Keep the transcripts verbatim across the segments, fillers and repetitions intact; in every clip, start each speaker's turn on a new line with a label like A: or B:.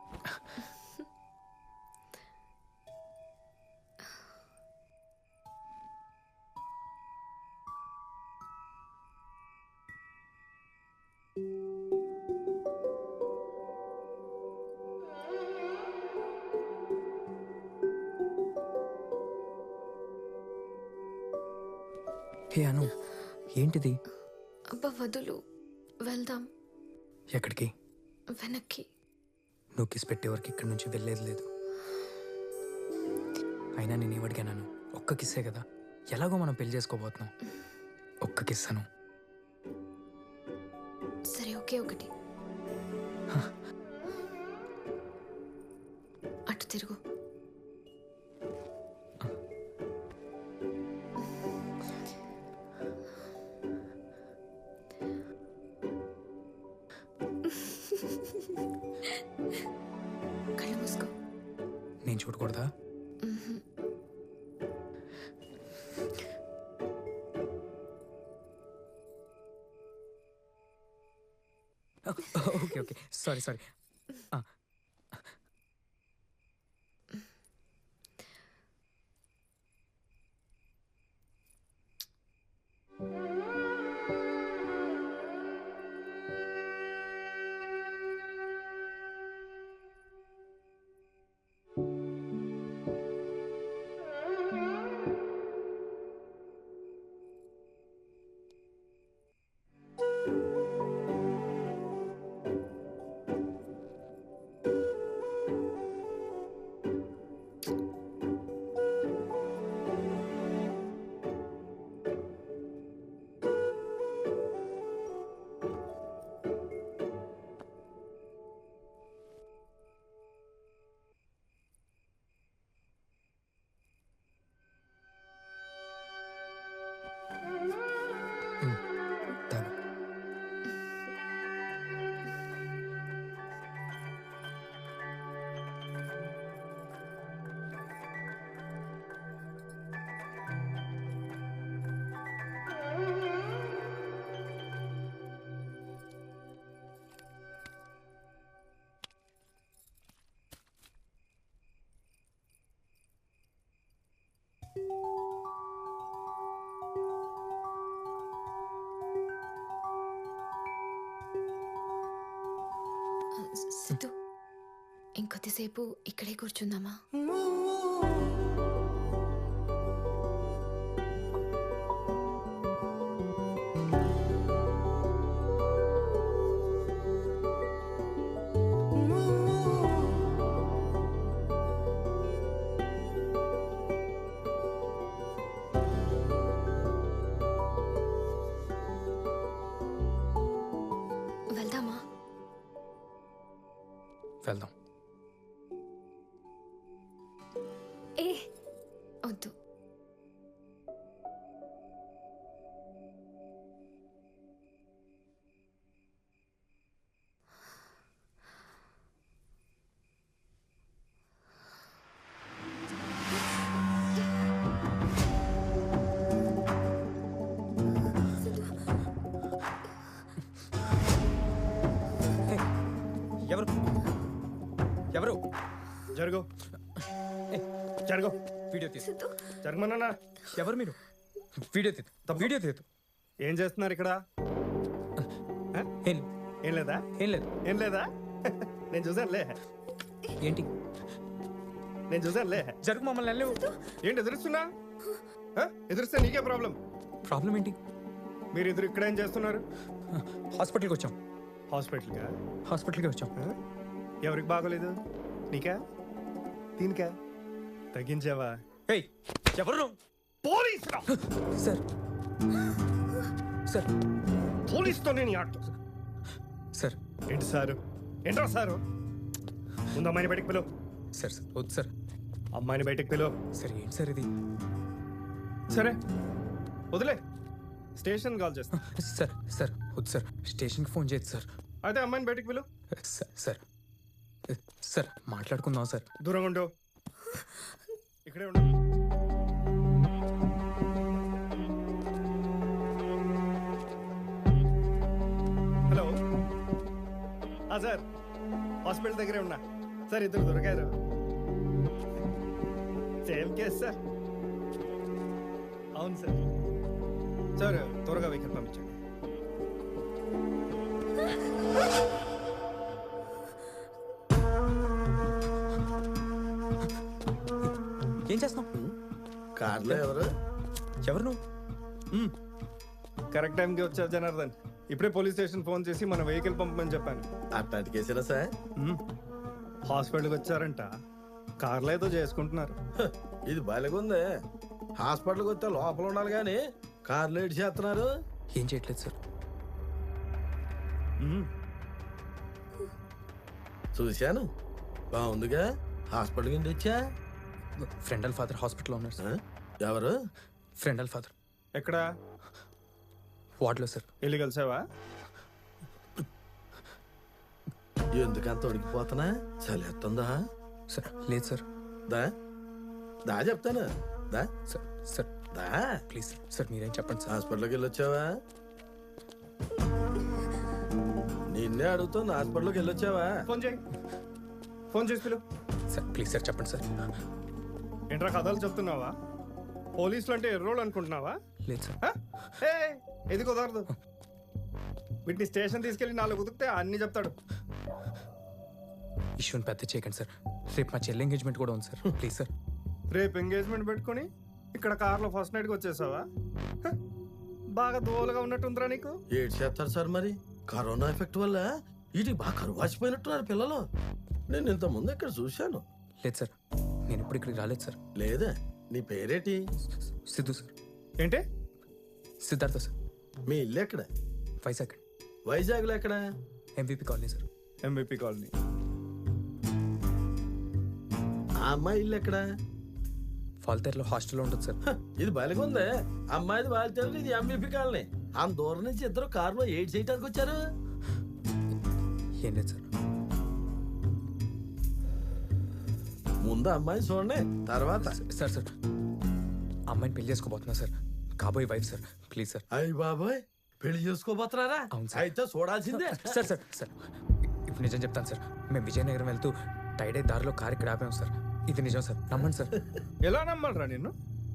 A: హే అను, ఏంటిది?
B: అబ్బా వదులు, వెళ్దాం.
A: ఎక్కడికి?
B: వెనక్కి.
A: నువ్వు కిస్ పెట్టే వరకు ఇక్కడి నుంచి వెళ్ళేది లేదు. అయినా నేను ఏమడిగాను? ఒక్క కిస్సే కదా, ఎలాగో మనం పెళ్లి చేసుకోబోతున్నాం. ఒక్క కిస్ అను.
B: సరే ఓకే, ఒకటి. అటు తిరుగు. కళ్ళు మూసుకో.
A: నేను చూడకూడదా? Okay okay, sorry sorry. తాగు.
B: సిద్ధు, ఇంకొద్దిసేపు ఇక్కడే కూర్చుందామా? వెళ్దామా?
A: వెళ్దాం.
B: ఏ వద్దు.
A: ఎవరు ఎవరు
C: జరుగు జరుగు.
A: వీడియో తీసు.
B: సిద్ధు,
C: జరగమన్నా.
A: ఎవరు మీరు? వీడియో తీదు, వీడియో తీదు.
C: ఏం చేస్తున్నారు ఇక్కడ?
A: ఏం
C: ఏం లేదా?
A: ఏం లేదు.
C: ఏం లేదా? నేను చూసానులే,
A: ఏంటి?
C: నేను చూసానులే.
A: జరుగు, మమ్మల్ని వెళ్ళలేవు.
C: ఏంటి ఎదురుస్తున్నా? ఆ? ఎదురుస్తే నీకే ప్రాబ్లం.
A: ప్రాబ్లం ఏంటి?
C: మీరు ఎదురు ఇక్కడ ఏం చేస్తున్నారు?
A: హాస్పిటల్కి వచ్చాం.
C: హాస్పిటల్గా?
A: హాస్పిటల్కి వచ్చాం.
C: ఆ? ఎవరికి బాగోలేదు? నీకా? దీనికా? తగ్గించావా?
A: ఏయ్, ఎవరు?
C: పోలీసురా!
A: సార్ సార్
C: పోలీసుతో నేను ఆట.
A: సార్
C: ఏంటి సారు? ఏంట్రా సారు? ముందు అమ్మాయిని బయటకు పిలువు.
A: సార్ సార్ వద్దు సార్.
C: అమ్మాయిని బయటకు పిలువు.
A: సార్ ఏంటి సార్ ఇది?
C: సరే వదిలే, స్టేషన్ కాల్ చేస్తా.
A: సార్ సార్ వద్దు సార్, స్టేషన్కి ఫోన్ చేయదు సార్.
C: అయితే అమ్మాయిని బయటకు పిలువు.
A: సార్ సార్ సార్ మాట్లాడుకుందాం సార్.
C: దూరంగా ఉండు, ఇక్కడే ఉండు. హలో సార్, హాస్పిటల్ దగ్గరే ఉన్నా. సార్ ఇద్దరు దొరికారు. Same case sir. అవును సార్. సార్ త్వరగా వెహికల్ పంపించండి.
A: ఏం చేస్తున్నావు?
D: కార్లో ఎవరు?
A: ఎవరు నువ్వు? మ్,
C: కరెక్ట్ టైంకి వచ్చారు జనార్దన్. ఇప్పుడే పోలీస్ స్టేషన్ ఫోన్ చేసి మన వెహికల్ పంపమని చెప్పాను.
D: అట్లాంటి కేసేనా సార్?
C: మ్, హాస్పిటల్కి వచ్చారంట. కార్లో ఏదో చేసుకుంటున్నారు.
D: హ, ఇది బాలేగుంది. హాస్పిటల్కి వస్తే లోపల ఉండాలి కానీ కార్లో ఏడు చేస్తున్నారు.
A: ఏం చేయట్లేదు సార్.
C: మ్,
D: చూశాను, బాగుందిగా. హాస్పిటల్ కింద వచ్చా.
A: ఫ్రెండ్ వాళ్ళ ఫాదర్ హాస్పిటల్లో ఉన్నారు
D: ఆ?
A: సార్.
D: ఎవరు?
A: ఫ్రెండ్ వాళ్ళ ఫాదర్
C: ఎక్కడ?
A: వార్డులో సార్.
C: వెళ్ళి కలిసావా?
D: ఎందుకంత ఉడికిపోతున్నా? చలేస్తుందా?
A: సార్ లేదు సార్.
D: దా దా చెప్తాను. దా
A: సార్ సార్
D: దా
A: ప్లీజ్ సార్. సార్ మీరేం చెప్పండి సార్.
D: హాస్పిటల్కి వెళ్ళొచ్చావా? నిన్నే అడుగుతుంది, హాస్పిటల్కి వెళ్ళొచ్చావా?
C: ఫోన్ చేయి. ఫోన్ చేసి పిలు.
A: సార్ ప్లీజ్ సార్ చెప్పండి సార్.
C: ఏంట్రా కథలు చెప్తున్నావా? పోలీసులు అంటే ఎర్రోళ్ళు అనుకుంటున్నావా?
A: లేదు సార్.
C: హ? ఏ ఇది కుదరదు. వీటిని స్టేషన్ తీసుకెళ్లి నాలుగు ఉతికితే అన్ని చెప్తాడు.
A: ఇష్యూని పెద్ద చేయకండి సార్. రేపు మా చెల్లి ఎంగేజ్మెంట్ కూడా ఉంది సార్. Please sir.
C: రేపు ఎంగేజ్మెంట్ పెట్టుకుని ఇక్కడ కార్లో ఫస్ట్ నైట్కి వచ్చేసావా? హ? బాగా దోలుగా ఉన్నట్టుందిరా నీకు.
D: ఏడు చేస్తారు సార్ మరి. కరోనా ఎఫెక్ట్ వల్ల వీటికి బాగా కరువు వాచిపోయినట్టున్నారు పిల్లలు. నేను ఇంత ముందు ఇక్కడ చూశాను.
A: లేదు సార్, నేను ఇప్పుడు ఇక్కడికి రాలేదు సార్.
D: లేదా? నీ పేరేటి?
A: సిద్ధు సార్.
C: ఏంటి?
A: సిద్ధార్థ సార్.
D: మీ ఇల్లు ఎక్కడ?
A: వైజాగ్
D: వైజాగ్లో ఎక్కడ?
A: MVP colony sir.
C: MVP colony.
D: ఆ అమ్మాయి ఇల్లు ఎక్కడ?
A: ఫాల్తేర్లో హాస్టల్లో ఉంటుంది సార్.
D: హ, ఇది బాలిగుందే. అమ్మాయిది బాలితే ఇది ఎంబీపీ కాలనీ. ఆ దూరం నుంచి ఇద్దరు కారులో ఏడ్ చేయడానికి వచ్చారు.
A: ఏం లేదు సార్.
D: ముందు అమ్మాయి చూడండి, తర్వాత.
A: సార్ సార్ అమ్మాయిని పెళ్లి చేసుకోబోతున్నా సార్. కాబోయే వైఫ్ సార్. Please sir.
D: అయ్యి బాబాయ్, పెళ్లి చేసుకోబోతున్నారా?
A: అవును సార్.
D: అయితే చూడాల్సిందే.
A: సార్ సార్ సార్ ఇప్పుడు నిజం చెప్తాను సార్. మేము విజయనగరం వెళ్తూ టైడే దారిలో కారు ఇక్కడ ఆపాము సార్. ఇది నిజం సార్, నమ్మండి సార్.
C: ఎలా నమ్మాలరా నిన్ను?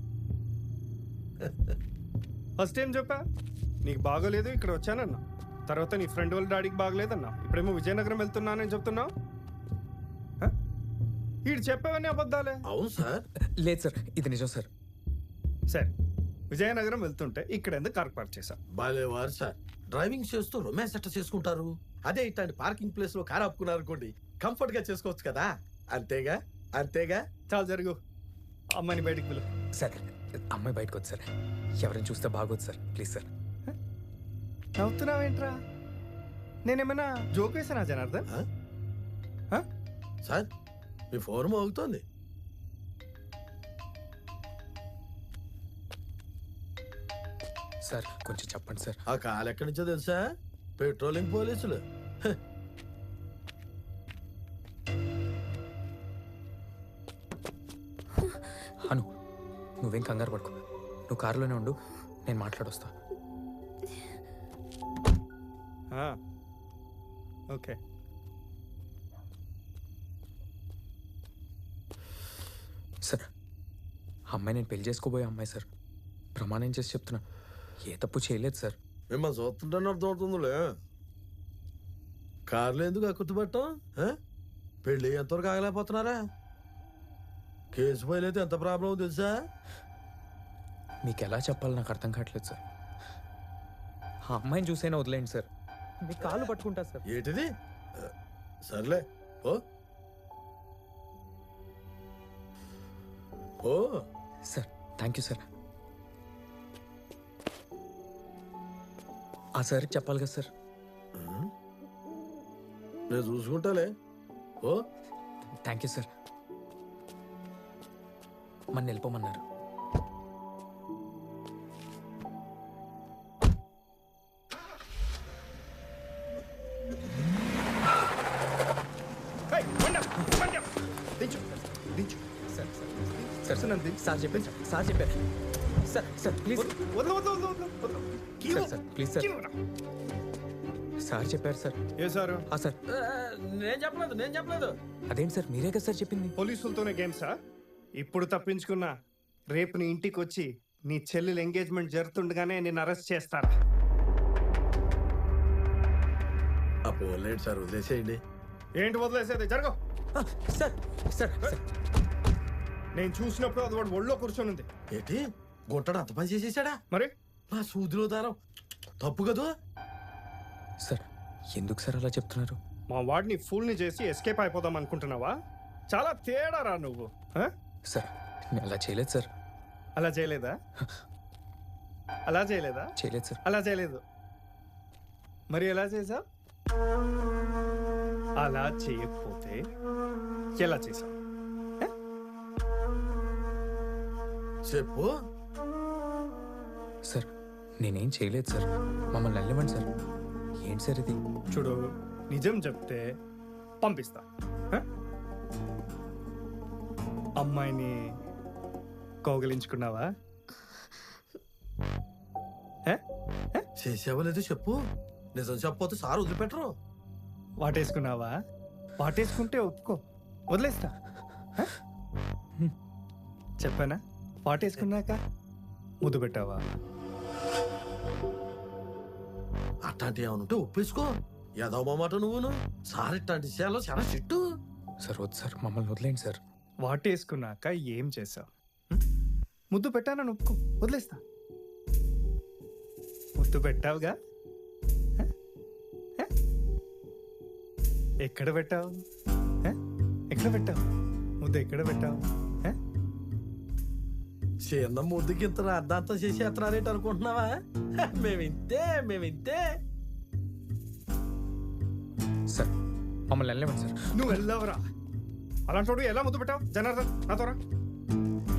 C: ఫస్ట్ ఏం చెప్పా? నీకు బాగోలేదు ఇక్కడ వచ్చానన్నా. తర్వాత నీ ఫ్రెండ్ వాళ్ళ డాడీకి బాగలేదన్నా. ఇప్పుడేమో విజయనగరం వెళ్తున్నానని చెప్తున్నావు. వీడు చెప్పేవన్నీ అబద్ధాలే.
D: అవును సార్.
A: లేదు సార్, ఇది నిజం సార్.
C: సరే, విజయనగరం వెళ్తుంటే ఇక్కడ ఎందుకు కార్ పార్క్ చేశా?
D: బాలేవారు సార్. డ్రైవింగ్ చేస్తూ రొమాన్స్ ఎట్ట చేసుకుంటారు? అదే ఇట్లాంటి పార్కింగ్ ప్లేస్ లో కార్ ఆపుకున్నారు అనుకోండి, కంఫర్ట్ గా చేసుకోవచ్చు కదా. అంతేగా అంతేగా
C: చాలా జరుగు. అమ్మాయిని బయటికి పిలు.
A: సార్ అమ్మాయి బయటకు వద్దు సార్. ఎవరైనా చూస్తే బాగోదు సార్. Please sir.
C: నవ్వుతున్నావేంట్రా? నేనేమైనా జోక్ వేసానా జనార్దన్?
D: ఆ?
C: హ?
D: సార్ మీ ఫోన్ మోగుతోంది.
A: సార్ కొంచెం చెప్పండి సార్.
D: ఆ కాల్ ఎక్కడి నుంచో తెలుసా? పెట్రోలింగ్ పోలీసులు. హ.
A: అను నువ్వేం కంగారు పడుకో. నువ్వు కారులోనే ఉండు, నేను మాట్లాడొస్తా.
C: ఆ. ఓకే.
A: సార్ అమ్మాయి నేను పెళ్లి చేసుకోబోయే అమ్మాయి సార్. ప్రమాణం చేసి చెప్తున్నా, ఏ తప్పు చేయలేదు సార్.
D: మిమ్మల్ని చూస్తుంటేనే అర్థమవుతుందిలే. కార్లు ఎందుకు అక్కుతుపట్టం? పెళ్ళి ఎంతవరకు ఆగలేకపోతున్నారా? కేసు ఫైల్ అయితే ఎంత ప్రాబ్లం తెలుసా?
A: మీకు ఎలా చెప్పాలో నాకు అర్థం కావట్లేదు సార్. ఆ అమ్మాయిని చూసైనా వదిలేండి సార్. మీ కాళ్ళు పట్టుకుంటా సార్.
D: ఏంటిది? సర్లే ఓ ఓ
A: సార్ థ్యాంక్ యూ సార్. ఆ సార్కి చెప్పాలి కదా సార్.
D: నేను చూసుకుంటాలే. ఓ
A: థ్యాంక్ యూ సార్. మన వెళ్ళిపోమన్నారు.
C: ఏయ్, బండి ఆపు, బండి ఆపు. దించు, దించు.
A: సార్ సార్ సార్
C: నన్ను దించు.
A: సార్ చెప్పారు సార్. సార్ చెప్పారు సార్. సార్ ప్లీజ్
C: వదలు, వదలు, వదలు, వదలు, వదలు. కీ
A: సార్
C: ఇవ్వు.
A: Sir please sir.
C: కీ ఇవ్వరా.
A: సార్ చెప్పారు సార్.
C: ఏ సారు?
A: ఆ సార్
D: నేను చెప్పలేదు నేను చెప్పలేదు
A: అదేంటి సార్ మీరే కదా సార్ చెప్పింది.
C: పోలీసులతోనే గేమ్సా? ఇప్పుడు తప్పించుకున్నా రేపు నీ ఇంటికి వచ్చి నీ చెల్లెలు ఎంగేజ్మెంట్ జరుగుతుండగానే నేను అరెస్ట్ చేస్తారా?
D: అప్పుడు లేదు సార్ వదిలేసేయండి.
C: ఏంటి వదిలేసేది? జరగవు.
A: ఆ, సార్ సార్ సార్
C: నేను చూసినప్పుడు అది వాడు ఒళ్ళో కూర్చొని ఉంది.
D: ఏంటి గుంటడు అంత పని చేసేసాడా?
C: మరి
D: నా సూదిలో దారం తప్పు కదా.
A: సార్ ఎందుకు సార్ అలా చెప్తున్నారు?
C: మా వాడిని ఫుల్ని చేసి ఎస్కేప్ అయిపోదాం అనుకుంటున్నావా? చాలా తేడా రా నువ్వు. ఆ?
A: సార్ నేను అలా చేయలేదు సార్.
C: అలా చేయలేదా? అలా చేయలేదా?
A: చేయలేదు సార్.
C: అలా చేయలేదు. మరి ఎలా చేసావు? అలా చేయకపోతే ఎలా చేసావు?
D: చెప్పు.
A: సార్ నేనేం చేయలేదు సార్. మమ్మల్ని వెళ్ళమండి సార్. ఏంటి సార్ ఇది?
C: చూడు, నిజం చెప్తే పంపిస్తా. ఆ? అమ్మాయిని కౌగిలించుకున్నావా? ఆ? ఆ?
D: చేసావో లేదో చెప్పు. నిజం చెప్పపోతే సార్ వదిలిపెట్టరు.
C: వాటేసుకున్నావా? వాటేసుకుంటే ఒప్పుకో, వదిలేస్తా. ఆ? చెప్పానా? వాటేసుకున్నాక ముద్దు పెట్టావా?
D: అట్లాంటి ఏమనుంటే ఒప్పేసుకో. ఏదో మాట నువ్వును. సార్ ఇట్లాంటి విషయాల్లో చాలా చిట్టు.
A: సార్ వద్దు సార్, మమ్మల్ని వదిలేండి సార్.
C: వాటేసుకున్నాక ఏం చేసావు? ముద్దు పెట్టానని ఒప్పుకో, వదిలేస్తా. ముద్దు పెట్టావుగా? ఆ? ఆ? ఎక్కడ పెట్టావు? ఆ? ఎక్కడ పెట్టావు ముద్దు? ఎక్కడ పెట్టావు? ఆ?
D: చిన్న ముద్దుకి ఇంత అర్ధాంతం చేసి ఎత్తనారేంటి అనుకుంటున్నావా? మేమింతే మేమింతే.
A: సార్ మమ్మల్ని వెళ్ళమండి సార్.
C: నువ్వు వెళ్ళవరా? అలాంటి ఎలా ముద్దు పెట్టావు? జనార్దన్ నాతో రా.